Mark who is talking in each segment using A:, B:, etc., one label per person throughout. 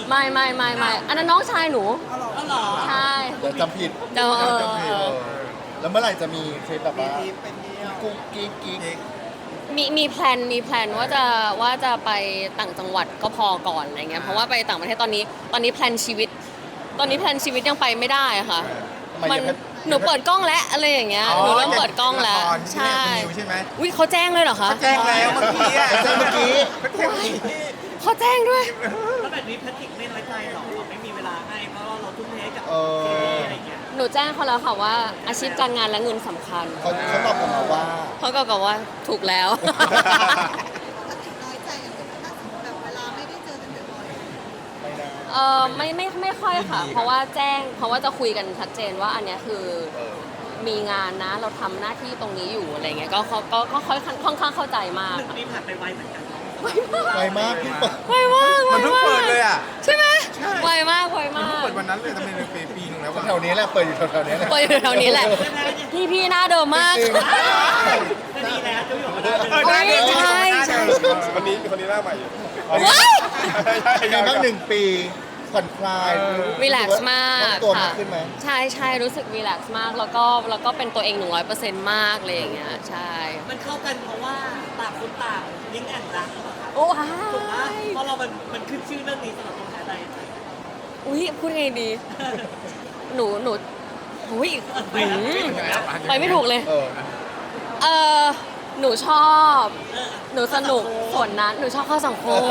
A: ไม่อันนั้นน้องชายหนู
B: ก็หรอ
A: ใช่
C: เดี๋ยวจำผิด
A: เดี๋ยว
C: จำผิดแล้วเมื่อไหร่จะมีทริปแบบว่า
B: เป็นเดียว
C: กุ๊กกิ๊ก
A: มีแพลนว่าจะไปต่างจังหวัดก็พอก่อนอะไรเงี้ยเพราะว่าไปต่างประเทศตอนนี้แพลนชีวิตยังไปไม่ได้ค่ะ
C: ทำไม
A: มัน
C: ยัง
A: หนูเปิดกล้องแล้วอะไรอย่างเงี้ยหนูเริ่มเปิดกล้องแล้ว
D: ใช่
A: ใช่
D: ใช่ไหม
A: อุ้ยเขาแจ้งเลยเหรอคะ
D: แจ้งแล้วเมื่อกี้อะ
C: เมื่อกี้
A: เขาแจ้งด้วย
B: แล้วแบบนี้แพทริกไม่น้อยใจหรอไม่มีเวลาให้เพราะว่าเราทุ่มเทให้กับ
C: เออ
B: ซีรีส์อะไรเงี้ย
A: หนูแจ้งเขาแล้วค่ะว่าอาชีพการงานและเงินสำคัญ
C: เขาตอบกลับมาว่า
A: เขาก็บอกว่าถูกแล้ว
E: ปกติน้อยใจอย่างเป็นถ้าสมมติแบบเวลาไม่ได้เจอกันบ่อย
C: ไม่ได้
A: ไม่ค่อยค่ะ เพราะว่าจะคุยกันชัดเจนว่าอันเนี้ยคือ
C: เออ
A: มีงานนะเราทำหน้าที่ตรงนี้อยู่อะไรเงี้ยก็ค่อนข้างเข้าใจมาก
B: หนึ่ง
A: ค่ะ
B: ปีผ่านไปไวเหมือนกันเนาะ
C: ไวมากพี่เปิด
A: ไวมาก
D: มันเพิ่งเปิดเลยอ่ะ
A: ใช่ไหมไวมาก
D: มันเพิ่งเปิดวันนั้นเลยทำไมเป็นปีนึงแล้ววะ
C: แถวนี้แหละเปิดอยู่แถวๆนี้แหละ
A: เปิดอยู่แถวนี้แหละพี่หน้าเดิมมาก
C: จริง
B: ก็ดีแล้วจะอยู่กับเรา
A: เฮ้ยใช่
F: คนนี้หน้าใหม่อยู่
A: ว้าย
C: เป็นไงบ้าง1 ปีผ่อนคลาย
A: รีแลกซ์มาก
C: ตัวมา
A: ค่ะ
C: กขึ้นไหม
A: ใช่รู้สึกรีแลกซ์มากแล้วก็เป็นตัวเอง 100%มากเลยอย่างเงี้ยใช่
B: มันเข้ากันเพราะว่าต่างคนต่างลิงก์แอนด์รักหรือเปล่าครับ
A: โอ้ว้า
B: ถูกปะ
A: ย
B: เพราะเรามันขึ้นชื่อเรื่องนี้สำหรับตัวแทนใด
A: อุ้ยพูดไงดี หนูอุ้ยไปไม่ถูกเลย
C: เออ
A: เออหนูชอบ หนูสนุกส่วนนั้น หนูชอบเข้าสังคม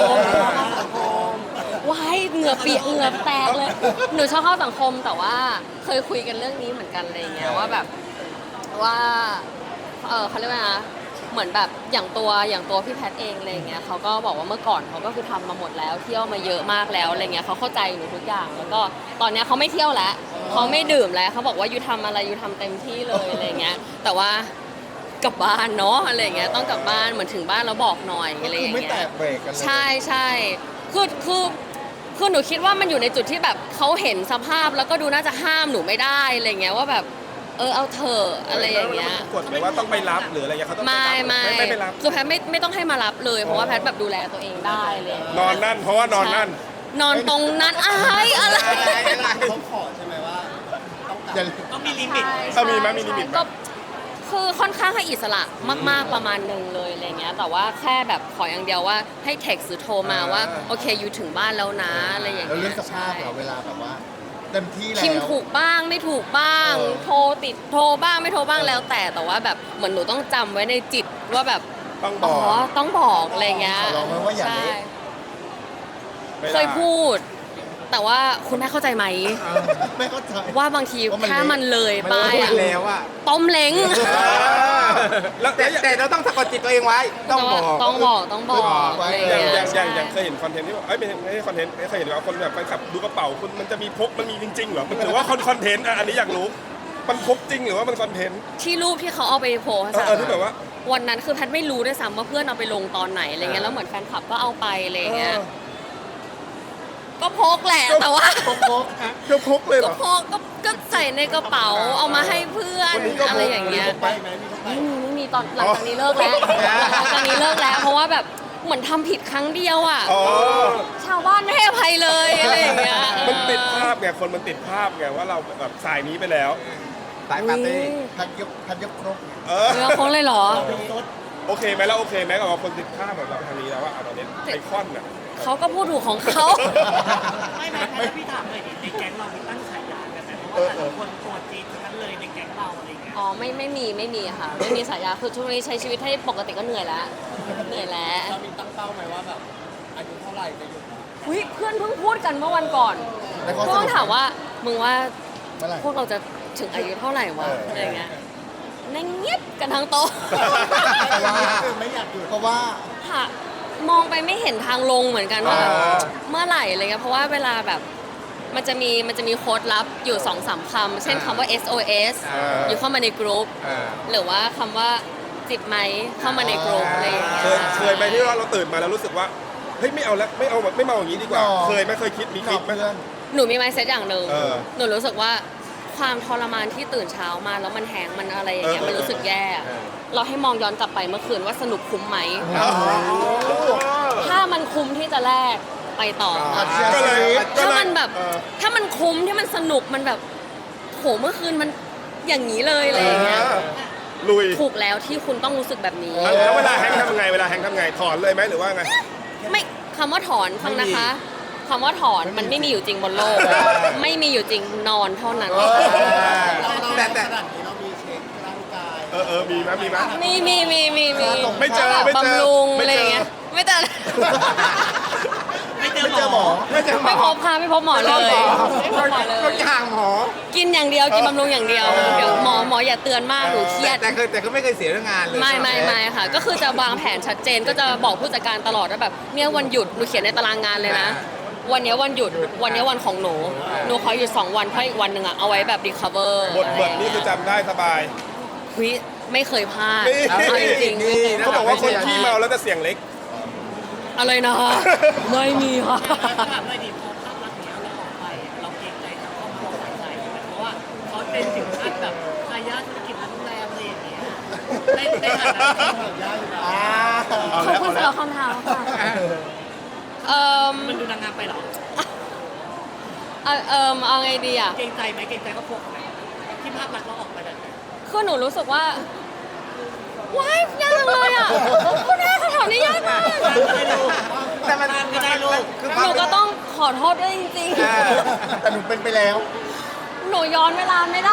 A: ว้ายเหงื่อเปียกเหงื่อแตกเลย หนูชอบเข้าสังคมแต่ว่าเคยคุยกันเรื่องนี้เหมือนกันอะไรเงี้ยว่าแบบว่าเขาเรียกว่านะเหมือนแบบอย่างตัวพี่แพทเองอะไรเงี้ยเขาก็บอกว่าเมื่อก่อนเขาก็คือทำมาหมดแล้วเที่ยวมาเยอะมากแล้วอะไรเงี้ยเขาเข้าใจหนูทุกอย่าง แล้วก็ตอนเนี้ยเขาไม่เที่ยวแล้วเขาไม่ดื่มแล้วเขาบอกว่ายูทำอะไรยูทำเต็มที่เลยอะไรเงี้ยแต่ว่ากลับบ้านเนาะอะไรเงี้ยต้องกลับบ้านเหมือนถึงบ้านแล้วบอกหน่อย
C: ก็
A: อะไร
C: คือ
A: อย่าง
C: ไม่
A: เงี้
C: แต
A: ย
C: กเบรกกันเลย
A: ใช่คือหนูคิดว่ามันอยู่ในจุดที่แบบเขาเห็นสภาพแล้วก็ดูน่าจะห้ามหนูไม่ได้อะไรเงี้ยว่าแบบเอาเถอะอะไรอย่างเงี้ย
F: กดเลยว่าต้องไปรับหรืออะไรเงี้ยเขาต้อง
A: ไม่
F: ไปรับ
A: คือแพทย์ไม่ต้องให้มารับเลยเพราะว่าแพทย์แบบดูแลตัวเองได้เลย
F: นอนนั่นเพราะว่านอนนั่น
A: นอนตรงนั้นอะไร
C: เขาขอใช่ไหมว่าอย่า
B: ต้องมีลิมิต
F: ถ้ามีไหมมีลิมิตไหม
A: ก็คือค่อนข้างให้อิสระมากๆประมาณหนึ่งเลยอะไรเงี้ยแต่ว่าแค่แบบขออย่างเดียวว่าให้เท็กซ์หรือโทรมาว่าโอเคอยู่ถึงบ้านแล้วนะอะไรอย่าง
C: แล้ว
A: เงี้ย
C: เรื่องสภาพเหรอเวลาแบบว่าเต็มที่แล้ว
A: พิมพ์ถูกบ้างไม่ถูกบ้าง
C: เออ
A: โทรบ้างไม่โทรบ้างแล้วแต่ว่าแบบเหมือนหนูต้องจำไว้ในจิตว่าแบบ
F: ต้องบ
A: อ๋
F: อ
A: อก ต้องบอกอะไรเงี้ย
C: ขอร้องไว้ว่าอย่า
A: ใช่
C: เละ
F: ไม่ได้
A: เคยพูด แต่ว่าคุณแม่เข้าใจไหม
C: ไม่เข้าใจ
A: ว่าบางที
C: ว่ามัน
A: ถ้ามันเลย
C: มัน
A: ไป
C: เละ
A: อะ
D: แล้วอ่ะ
A: ต้มเล้ง
F: แล้ว
D: แต่เราต้องสะกดจิตตัวเองไว้ ต้องบอก
A: ต้องบอกอะไร
F: อย่าง
A: เงี้ย
F: เคยเห็นคอนเทนต์ที่ว่าไม่ใช่คอนเทนต์เคยเห็นว่าคนแบบแฟนคลับดูกระเป๋าคุณมันจะมีพกมันมีจริงๆเหรอมันถือว่าคอนเทนต์อันนี้อยากรู้มันพกจริงหรือว่ามันคอนเทนต์
A: ที่รูปที่เขาเอาไปโพสต์อะ
F: ที่แบบว่า
A: วันนั้นคือแพทย์ไม่รู้ด้วยซ้ำว่าเพื่อนเอาไปลงตอนไหนอะไรเงี้ยแล้วเหมือนแฟนคลับก็เอาไปอะไรเงี้ยก็พกแหละแต่ว่า
F: ก็พกเลยเหร
A: ก็
F: อ
A: พกก็ใส่ในกระเป๋าเอามาให้เพื่อน
F: วันนี้ก็พก
A: อะไรอย่างเงี้ย
C: ไปไหมมีพกไป
A: ไม่มีตอนหลังจากนี้เลิกแล้วหลังจากนี้เลิกแล้ว เพราะว่าแบบเหมือนทำผิดครั้งเดียวอ่ะ
F: อ๋อ
A: ชาวบ้านไม่ให้อภัยเลยอะไรอย่างเงี้ย
F: มันติดภาพไงคนมันติดภาพไงว่าเราแบบสายนี้ไปแล้ว
D: สายปาร์ตี้
C: ทันยกครบ
F: เออ
A: เนื้อโค้งเลยเหรอ
F: โอเคไหมแล้วโอเคไหมกับคนติดภาพแบบเราทางนี้แล้วว่าตอนนี้ไอคอนน่ะ
A: เขาก็พูดถูกของเขา
B: ไม่พี่ถามเลยดิในแก๊งเรามีตั้งฉายากันไหมเพราะว่าแต่ละคนตัวจีนทั้งนั้นเลยในแก๊งเราอะไรเงี้ย
A: อ๋อไม่มีค่ะไม่มีสายยาคือช่วงนี้ใช้ชีวิตให้ปกติก็เหนื่อยแล้ว
B: เรามีตั้งเป้าไหมว่าแบบอายุเท่าไหร่จะหยุด
A: อุ๊ยเพื่อนเพิ่งพูดกันเมื่อวันก่อน
C: แล้วเขา
A: เพื่อนถามว่ามึงว่า
C: เมื่อไหร่
A: พวกเราจะถึงอายุเท่าไหร่วะอะไรเงี้ยนั่งเงียบกันทั้งโต๊ะ
C: เพราะว่าไม่อยากหยุดเพราะว่า
A: ค่ะมองไปไม่เห็นทางลงเหมือนกันว่าแบบเมื่อไหร่อะไรเงี้ยเพราะว่าเวลาแบบมันจะมีโค้ดลับอยู่ 2-3 คำเช่นคำว่า SOS อยู่เข้ามาในกรุ๊ปหรือว่าคำว่าจิบไหมเข้ามาในกรุ๊ปอะไรอย่างเงี้ย
F: เคยไหมที่ว่าเราตื่นมาแล้วรู้สึกว่าเฮ้ยไม่เอาแล้วไม่เอาแบบไม่เมาอย่างนี้ดีกว่า
C: หรอ
F: เคยไหมเคยคิดมีคิดไหม
C: เพื่อน
A: หนูมี mindset อย่างหนึ่ง
F: เออ
A: หนูรู้สึกว่าความทรมานที่ตื่นเช้ามาแล้วมันแหงมันอะไรอย่างเงี้ยมันรู้สึกแย่อะเราให้มองย้อนกลับไปเมื่อคืนว่าสนุกคุ้มไหม ถ้ามันคุ้มที่จะแลกไปต่อค่ะ
F: ก็เลย
A: ถ้ามันแบบ
F: เออ
A: ถ้ามันคุ้มที่มันสนุกมันแบบโหเมื่อคืนมันอย่างนี้เลยอะไรอย่างเงี้ย
F: ลุย
A: ถูกแล้วที่คุณต้องรู้สึกแบบนี้
F: แล้วเวลาแฮงค์ทำไงเวลาแฮงค์ทำไงถอนเลยไหมหรือว่าไง
A: ไม่คำว่าถอนฟังนะคะคำว่าถอนมันไม่มีอยู่จริงบนโลก ไม่มีอยู่จริงนอนเท่านั้น
C: แต่ขนาดนี้เรามีเช็คร่างกาย
F: มีไหมมีไหม
A: มี
F: ไม่เจอ
A: แบบ
F: ไม่เจอ
A: บำรุง
F: ไม่เจออ
A: อะไรอย่างเงี้ยไม่เจอ
B: ไม่เจอหมอ
D: ไม่จะ
A: ไม่พบค่ะไม่พบหมอเลยไม่พบหมอเล
D: ก็
A: ย
D: ห่างหมอ
A: กินอย่างเดียวกินบำรุงอย่างเดียวเดี๋ยวหมออย่าเตือนมากหนูเครียด
D: แต่ก็ไม่เคยเสียเรื่องงานเลย
A: ไม่ค่ะ ก็คือจะวางแผนชัดเจนก็จะบอกผู้จัดการตลอดว่าแบบเนี่ยวันหยุดหนูเขียนในตารางงานเลยนะ วันนี้วันหยุดวันนี้วันของหนูขอหยุด2 วันเพราะอีกวันหนึ่งอะเอาไว้แบบ recover
F: บทนี่คือจำได้สบาย
A: คุยไม่เคยพลาด
F: นี่
A: เอาจริงๆไม่เคยพล
F: เขา
A: ด
F: บอกว่าคนขี้เมาแล้วจะเสียงเล็ก
A: อะไรนะไม่มีค่ะ
B: ถามเลยดิพอภาพลักษณ์เนี้ยเราออกไปเราเกรงใจกับครอบครัวฝ่ายชายไหมเพราะว่าเขาเป็นถึงขั้นแบบทายาทธุรกิจโรงแรมอะไรอย่างเงี้ยได้ฐานะที่
A: ขอบคุณสำหรับคำถามค่ะ
B: มันดูนางงามไปเหรอ
A: เอาไงดีอ่ะ
B: เกรงใจไหมเกรงใจครอบครัวเขาไหมที่ภาพลักษณ์เราออกไปแบบนั้น
A: คือหนูรู้สึกว่าว้ายยากจังเลยอ่ะคุณแม่คำถามนี้ยากมาก
B: ไม่รู้
D: แต่มัน
B: ก็ได้ลูก
D: คือ
A: หนูก็ต้องขอโทษด้วยจริง
C: แต่หนูเป็นไปแล้ว
A: ๆ หนูย้อนเวลาไม่ได้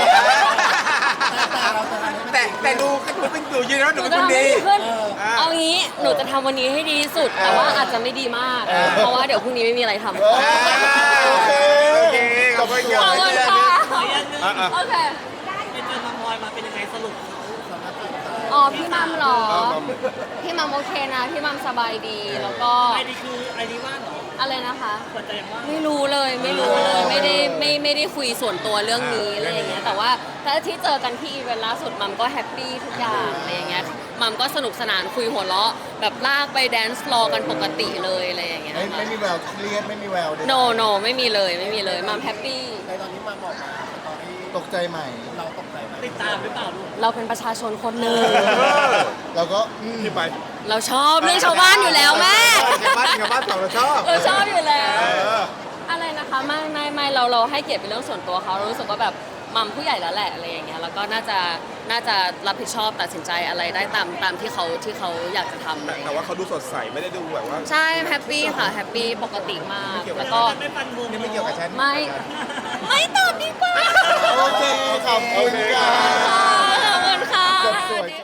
D: แต่ดูเป็นอยู่ยืนแล้ว
A: ห
D: หนู
A: นู
D: เป็น
A: จะ
D: คน
A: ทำให้
D: ดี
A: ดีขึ้น เอางี้ หนูจะทำวันนี้ให้ดีที่สุด แต่ว่าอาจจะไม่ดีมาก เพราะว่าเดี๋ยวพรุ่งนี้ไม่มีอะไรทำ
D: โอเคขอบคุณ
A: ขอบคุณค่ะ
B: ขออย่างหนึง
A: โอเค
B: เป็นเจอมัมพลอยมาเป็นยังไงสรุป
A: อ๋อ พี่มัมเหรอ พี่มัมโอเคนะ พี่มัมสบายดี แล้วก็
B: ไอดีคือไอดีว่างเหรอ
A: อะไรนะคะ
B: เปิดใจยังว่าง
A: ไม่รู้เลย ไม่ได้คุยส่วนตัวเรื่องนี้อะไรอย่างเงี้ย แต่ว่าถ้าที่เจอกันที่อีเวนต์ล่าสุดมัมก็แฮปปี้ทุกอย่างอะไรอย่างเงี้ย มัมก็สนุกสนานคุยหัวเราะแบบลากไปแดนซ์รอกันปกติเลยอะไรอย่างเงี้ย
C: ไม่มีแววเครียดไม่มีแวว
A: no ไม่มีเลยมัมแฮปปี้
C: ในตอนนี้มาบอกมาตอนนี้ตกใจใหม่ เราตกใจไหม
B: ติดตามหรือเปล่าลูก
A: เราเป็นประชาชนคนหนึ่ง
C: เราก็
F: ที่ไป
A: เราชอบเรื่องชาวบ้านอยู่แล้วแม่
D: ชาวบ้านเราชอบ
A: เราชอบอยู่แล้ว อะไรนะคะไม่เราให้เกียรติเป็นเรื่องส่วนตัวเขาเรารู้สึกว่าแบบมัมผู้ใหญ่แล้วแหละอะไรอย่างเงี้ยแล้วก็น่าจะรับผิดชอบตัดสินใจอะไรได้ตามที่เขาอยากจะทำอะไรอย่าง
F: แต่
A: เงี้ย
F: ว่าเขาดูสดใสไม่ได้ดูแบบว่า
A: ใช่แฮปปี้ค่ะแฮปปี้ปกติมากแล้วก็
B: ไม่ฟันวง
D: นี่ไม่เกี่ยวกับฉัน
A: ไม่ตอบดีกว่า
C: โอเคขอบคุณค่ะ
A: ขอบคุณค่ะ
C: จบสวย